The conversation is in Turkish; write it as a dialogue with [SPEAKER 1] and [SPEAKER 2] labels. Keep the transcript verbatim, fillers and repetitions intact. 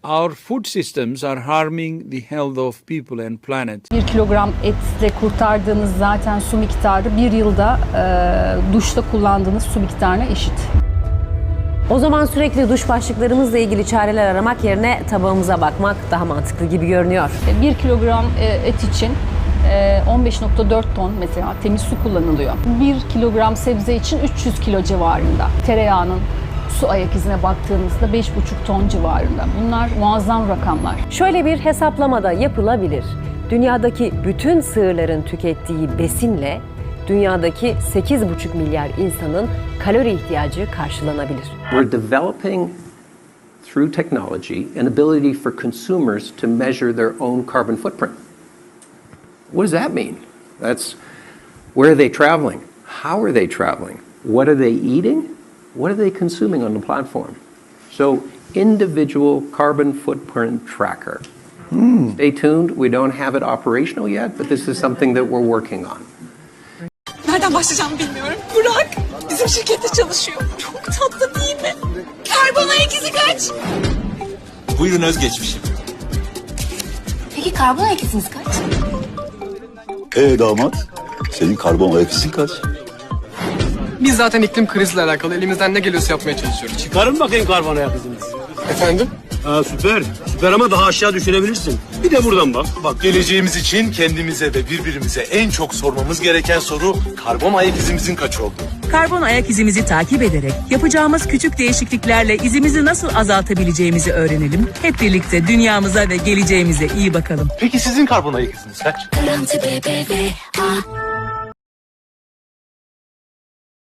[SPEAKER 1] Our food systems are harming the health of people and planet.
[SPEAKER 2] Bir kilogram etle kurtardığınız zaten su miktarı bir yılda e, duşta kullandığınız su miktarına eşit.
[SPEAKER 3] O zaman sürekli duş başlıklarımızla ilgili çareler aramak yerine tabağımıza bakmak daha mantıklı gibi görünüyor.
[SPEAKER 2] Bir kilogram e, et için e, on beş nokta dört ton mesela temiz su kullanılıyor. Bir kilogram sebze için üç yüz kilo civarında. Tereyağının su ayak izine baktığınızda beş buçuk ton civarında. Bunlar muazzam rakamlar.
[SPEAKER 3] Şöyle bir hesaplamada yapılabilir. Dünyadaki bütün sığırların tükettiği besinle dünyadaki sekiz buçuk milyar insanın kalori ihtiyacı karşılanabilir.
[SPEAKER 4] We're developing through technology an ability for consumers to measure their own carbon footprint. What does that mean? That's where are they traveling? How are they traveling? What are they eating? What are they consuming on the platform? So, individual carbon footprint tracker. Hmm. Stay tuned. We don't have it operational yet, but this is something that we're working on.
[SPEAKER 5] Nereden başlayacağımı bilmiyorum. Burak bizim şirkette çalışıyor. Çok tatlı değil mi? Karbon ayak izi kaç?
[SPEAKER 6] Buyurun özgeçmişim.
[SPEAKER 5] Peki karbon ayak iziniz kaç?
[SPEAKER 7] Ee damat, senin karbon ayak izin kaç?
[SPEAKER 8] Biz zaten iklim krizle alakalı elimizden ne geliyorsa yapmaya çalışıyoruz.
[SPEAKER 9] Çıkarın bakayım karbon ayak iziniz.
[SPEAKER 8] Efendim?
[SPEAKER 9] Ha süper. Süper ama daha aşağı düşürebilirsin. Bir de buradan bak. Bak
[SPEAKER 6] Geleceğimiz için kendimize ve birbirimize en çok sormamız gereken soru karbon ayak izimizin kaç oldu?
[SPEAKER 10] Karbon ayak izimizi takip ederek yapacağımız küçük değişikliklerle izimizi nasıl azaltabileceğimizi öğrenelim. Hep birlikte dünyamıza ve geleceğimize iyi bakalım.
[SPEAKER 6] Peki sizin karbon ayak iziniz kaç?
[SPEAKER 5] Garanti B B V A